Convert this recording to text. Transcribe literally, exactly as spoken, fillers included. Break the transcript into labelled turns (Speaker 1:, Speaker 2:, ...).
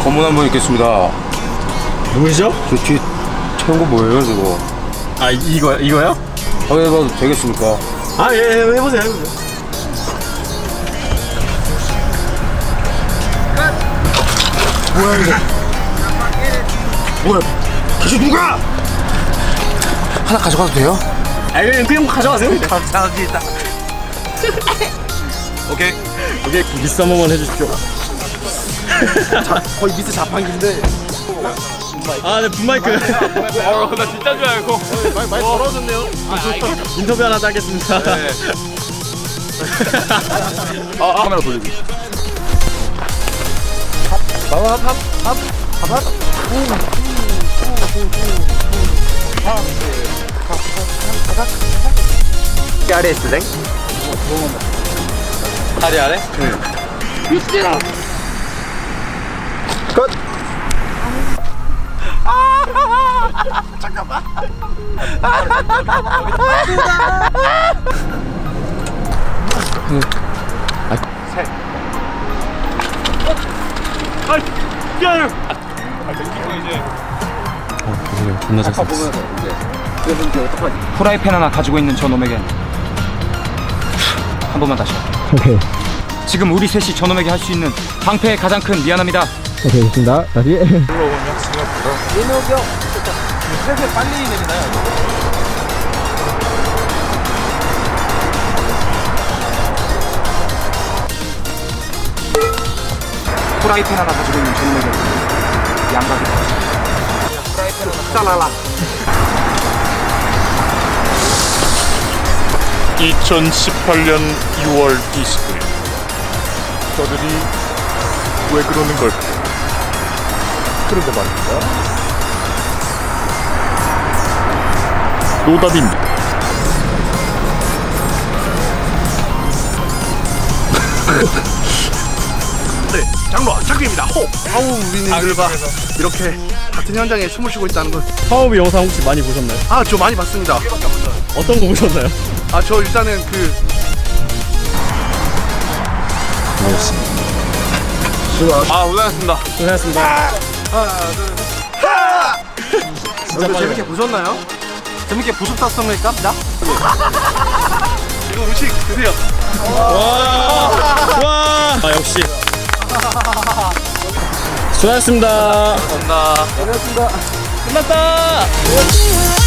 Speaker 1: 검문 한번 있겠습니다.
Speaker 2: 누구시죠?
Speaker 1: 저 뒤에 채운 거 뭐예요, 저거?
Speaker 2: 아 이거 이거요?
Speaker 1: 확인해봐도 되겠습니까?
Speaker 2: 아 예, 예 해보세요 해보세요. 뭐야 이거? 뭐야? 다시 누가?
Speaker 1: 하나 가져가도 돼요?
Speaker 2: 아 그냥 그냥 가져가세요.
Speaker 1: 감사합니다. 오케이.
Speaker 2: 오케이 미스 한 번만 해주십시오.
Speaker 1: 자, 거의 미스 자판기인데.
Speaker 2: 아네 분마이크.
Speaker 1: 어, 나 진짜 줄 알고. 많이, 많이 벌어졌네요.
Speaker 2: 인터뷰 하나 하겠습니다.
Speaker 1: 네. 아, 아, 카메라 돌리기. 밥, 밥, 밥, 밥, 밥, 밥. 아래 스랭? 아래 아래? 응. 미치라. 컷. 아, 잠깐만. 셋. 아, 야. 아, 이거 이제.
Speaker 2: 어, 죄송해요. 존나 잘 썼어.
Speaker 1: 그래서 이제 어떡하지?
Speaker 3: 프라이팬 하나 가지고 있는 저놈에게 한 번만 다시.
Speaker 2: 오케이.
Speaker 3: 지금 우리 셋이 저놈에게 할 수 있는 방패의 가장 큰 미안합니다.
Speaker 2: 오케이 좋습니다. 다시.
Speaker 1: 민호경 슬슬 빨리 내리나요?
Speaker 3: 프라이팬 하나 가지고 있는 저놈에게 양각이
Speaker 1: 프라이팬 하나 짜라라.
Speaker 4: 이천십팔 년 유월 이십구일 저들이 왜 그러는 걸까? 그런데 말입니다. 노답입니다.
Speaker 5: 네, 장로 착규입니다. 호. 아우 우리님들 봐. 이렇게 같은 현장에 숨을 쉬고 있다는 건.
Speaker 2: 파워비 영상 혹시 많이 보셨나요?
Speaker 5: 아, 저 많이 봤습니다.
Speaker 2: 어떤 거 보셨나요?
Speaker 5: 아, 저 일단은 그
Speaker 1: 아, 고생하셨습니다.
Speaker 2: 고생하셨습니다.
Speaker 5: 진짜
Speaker 2: 빨리
Speaker 5: 재밌게 보셨나요? 재밌게 보셨습니까? 나? 이거 음식 드세요.
Speaker 2: 와, 와. 아 역시. 수고하셨습니다.
Speaker 1: 감사합니다.
Speaker 2: 끝났다.